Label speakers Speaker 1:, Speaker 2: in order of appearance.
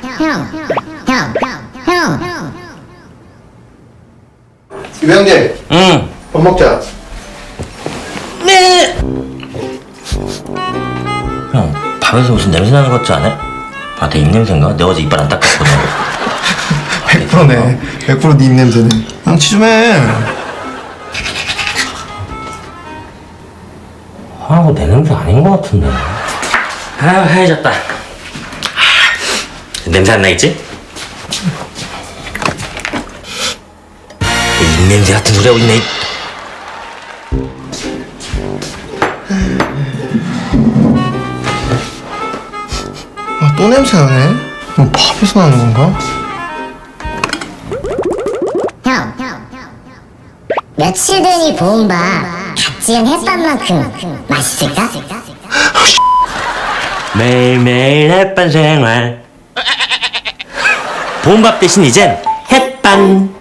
Speaker 1: 이병재.
Speaker 2: 응.
Speaker 1: 밥 먹자.
Speaker 2: 네. 형, 밥에서 무슨 냄새 나는 것 같지 않아? 아, 내 입냄새인가? 내가 어제 이빨 안 닦았거든.
Speaker 1: 100%네. 100%네 입냄새네. 양치 좀 해.
Speaker 2: 아, 이거 내 냄새 아닌 것 같은데. 아, 하얘졌다. 냄새 안 나겠지? 입냄새 같은 소리 하고 있네.
Speaker 1: 아, 또 냄새 나네. 뭐 밥에서 나는 건가?
Speaker 3: 며칠 된 이 보온밥 갓 지은 햇반만큼 맛있을까?
Speaker 2: 매일매일 햇반 생활. 봄밥 대신 이젠 햇반.